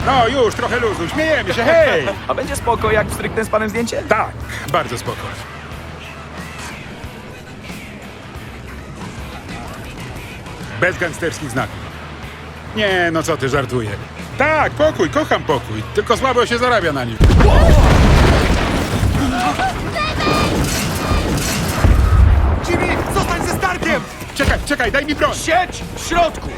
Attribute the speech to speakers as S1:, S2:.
S1: No już, trochę luzu, śmiejemy się, hej!
S2: A będzie spoko, jak stryknę z panem zdjęcie?
S1: Tak, bardzo spoko. Bez gangsterskich znaków. Nie, no co ty, żartuję. Tak, pokój, kocham pokój, tylko słabo się zarabia na nim.
S3: Jimmy, zostań ze Starkiem!
S1: Czekaj, daj mi broń!
S3: Siedź w środku!